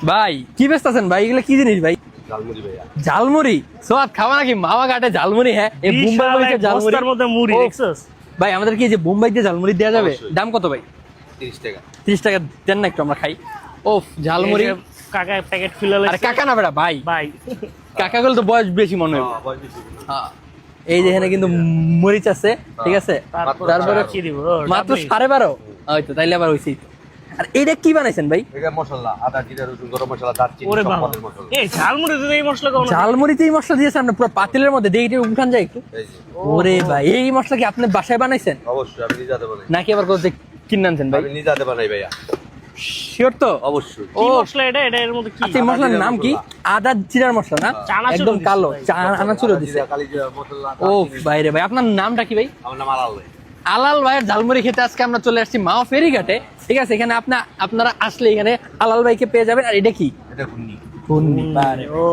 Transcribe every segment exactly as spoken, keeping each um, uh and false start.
ভাই কি ব্যস্ত আছেন ভাই? এগুলো কি জিনিস ভাই? ঝালমুড়ি ভাইয়া। ঝালমুড়ি সোয়াদ খাওয়া নাকি মামা ঘাটে ঝালমুড়ি? হ্যাঁ, এই বোম্বাই মরিচের ঝালমুড়ি। বস্তার মধ্যে মুড়ি ও, দেখছস ভাই আমাদের কি এই যে বোম্বাই দিয়ে ঝালমুড়ি দেওয়া যাবে? অবশ্যই। দাম কত ভাই? তিরিশ টাকা। তিরিশ টাকা দেন না একটু আমরা খাই। ও ঝালমুড়ি। এই যে কাকা প্যাকেট খুলে আরে লাগছে কাকা না বেটা ভাই, ভাই। কাকা গুলো তো বয়স বেশি মনে হয়। হ্যাঁ, বয়স বেশি। হ্যাঁ। এই যে এখানে কিন্তু মরিচ আছে, ঠিক আছে। তারপর তারপরে কি দিব? মাত্র সাড়ে বারো হয়তো, তাইলে আবার হয়েছি। আর এইটা কি বানাইছেন ভাই? এটা মশলা, আদা, জিরা, রসুন, গরম মশলা, দারচিনি, ওরে সব বাবা, পদের মশলা। এই ঝালমুড়িতে তো এই মশলা কোন? ঝালমুড়িতে এই মশলা দিয়েছেন আপনি পুরো পাতিলের মধ্যে দিয়ে এটা উঠান যায় একটু। এই যে, ওরে ভাই, এই মশলা কি আপনি বাসায় বানাইছেন অবশ্যই আমি নিজে হাতে বানাই। নাকি আবার কোথাও কিনে আনছেন ভাই? আমি নিজে হাতে বানাই ভাইয়া। শিওর তো? অবশ্যই। কি ও মশলা এটা? এটা এর মধ্যে কি? আচ্ছা, এই মশলার জিরার নাম কি? মশলা। আদা জিরার মশলা না? চানাচুর একদম দিছে কালো ভাই। চানাচুরও দিছে। জিরা, কালি জিরা, মশলা, ও দারচিনি। ভাই রে ভাই, আপনার নামটা কি ভাই? আমার নাম আলাল ভাই। আলাল ভাইয়ের ঝালমুড়ি খেতে আজকে আমরা চলে আসছি মাও ফেরিঘাটে, ঠিক আছে। এখানে আপনি আপনারা আসলে এখানে আলাল ভাইকে পেয়ে যাবেন। আর এটা কি? এটা ঘুগনি। ঘুগনি। বারে। ও,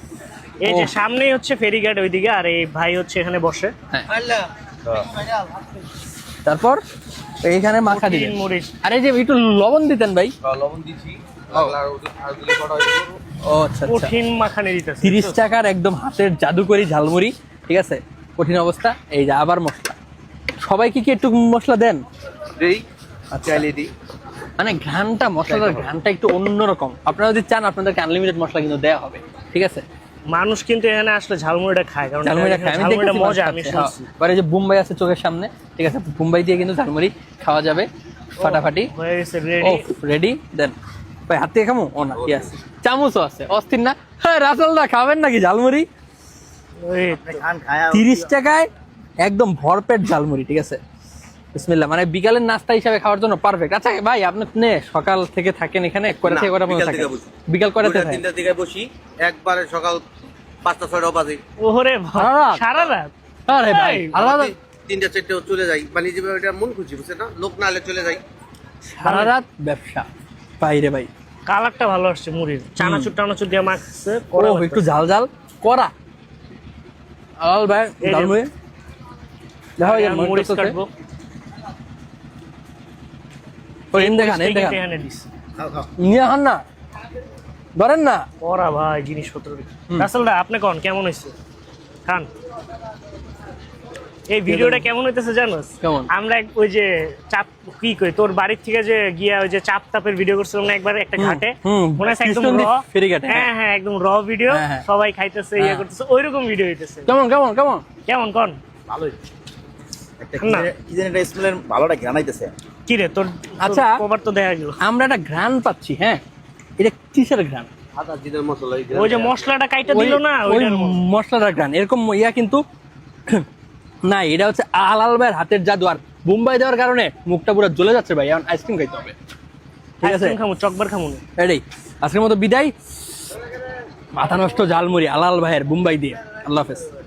এই যে ও। সামনেই হচ্ছে ফেরিঘাট ওইদিকে, আর এই ভাই হচ্ছে এখানে বসে। হ্যাঁ। হ্যাঁ। তারপর এইখানে মাখা দিবেন। কঠিন মরিচ। আর এই যে একটু লবণ দিতেন ভাই। হ্যাঁ, লবণ দিছি। লাগলে আর ওদের- আর দিলে কটা হয়ে যাবে। ও আচ্ছা আচ্ছা। কঠিন মাখানে দিতেছে। তিরিশ টাকার একদম হাতের জাদুকরি ঝালমুড়ি, ঠিক আছে। কঠিন অবস্থা। এই যে আবার মশলা, সবাইকে কি একটু মশলা দেন? দেই, আচ্ছা। চাইলে দিই। মানে ঘ্রানটা, মশলার ঘ্রানটা একটু অন্যরকম। আপনারা যদি চান আপনাদেরকে আনলিমিটেড মশলা কিন্তু দেওয়া হবে, ঠিক আছে। মানুষ কিন্তু এখানে আসলে ঝালমুড়িটা খায়, কারণ ঝালমুড়িটা খাই আমি ঝালমুড়িটা দেখেছি মজা, মানুষ আমি খাচ্ছে। শুনছি। হ্যাঁ। এবারে যে বোম্বাই আছে চোখের সামনে, ঠিক আছে, বোম্বাই দিয়ে কিন্তু ঝালমুড়ি খাওয়া যাবে ফাটাফাটি। হয়ে গেছে ও রেডি। রেডি দেন ভাই, হাত থেকে খামো? ও না, কি আছে, চামচও আছে, অস্থির না? হ্যাঁ রাসেলদা খাবেন নাকি ঝালমুড়ি? ওই তিরিশ টাকায় একদম ভরপেট ঝালমুড়ি, ঠিক আছে। বিসমিল্লাহ। মানে বিকালের নাস্তা হিসাবে খাওয়ার জন্য পারফেক্ট। আচ্ছা ভাই, আপনি নে সকাল থেকে থাকেন এখানে, কয়টা থেকে কয়টা পর্যন্ত বিকাল থাকেন? থেকে বসি। বিকাল কয়টা থেকে দুইটা থাকেন? তিনটার দিকে বসি, একবারে সকাল পাঁচটা ছয়টা বাজে। ওরে সারা রাত? সারা রাত? আরে ভাই এই, আলাদা। তিন- তিনটা চারটে চলে যাই, মানে যে এটা মন খুশি, বুঝছে না, লোক না হলে চলে যাই। সারা রাত ব্যবসা বাইরে ভাই। কালারটা ভালো আসছে মুড়ির, চানাচুর টানাচুর দিয়ে মাখছে। ও একটু ঝাল ঝাল করা আলাল ভাই এই যে- ঝালমুড়ি দেখো, এই যে মরিচ মরিচ আছে। কাটবো। ও এন দেখান, এন দেখান, এখানে দিস। খাও খাও। নিয়ে হান না, ধরেন না। ওরা ভাই জিনিসপত্র। হুম। রাসেল দা, আপনি কোন কেমন হয়েছে? খান। এই ভিডিওটা কেমন হইতেছে জানোস? কেমন? আমরা এক- ওই যে চাপ কি কই, তোর বাড়ির থেকে যে গিয়া ওই যে চাপ তাপের ভিডিও করছিলাম না একবার একটা হুম, ঘাটে, হুম, মনে আছে একদম কৃষ্ণনদী র ফেরিঘাটে, হ্যাঁ। হ্যাঁ হ্যাঁ একদম র ভিডিও, হ্যাঁ, হ্যাঁ। সবাই খাইতেছে ইয়ে হ্যাঁ। করতেছে, ওইরকম ভিডিও হইতেছে। কেমন কেমন কেমন? কেমন কোন? ভালোই একটা না। কি জানি একটা স্মেলের ভালোটা ঘ্রানাইতেছে। কি রে তোর? আচ্ছা। কবার তো দেখা গেল। আমরা একটা ঘ্রাণ পাচ্ছি, হ্যাঁ। এটা কিসের ঘ্রাণ? আদা, জিরা, মশলা, এই ওই যে মশলাটা কাইটা ওই দিল না, ওই ওইটার মতো। মশলাটার ঘ্রাণ এরকম ইয়া কিন্তু না, এটা হচ্ছে আলাল ভাইয়ের হাতের জাদু। আর বোম্বাই দেওয়ার কারণে মুখটা পুরো জ্বলে যাচ্ছে ভাই। এখন আইসক্রিম খাইতে হবে, ঠিক আছে। আইসক্রিম খামু, চকবার খামু না। রেডি? আজকের মতো বিদায়। মাথা নষ্ট ঝালমুড়ি আলাল ভাইয়ের বোম্বাই দিয়ে। আল্লাহ হাফেজ।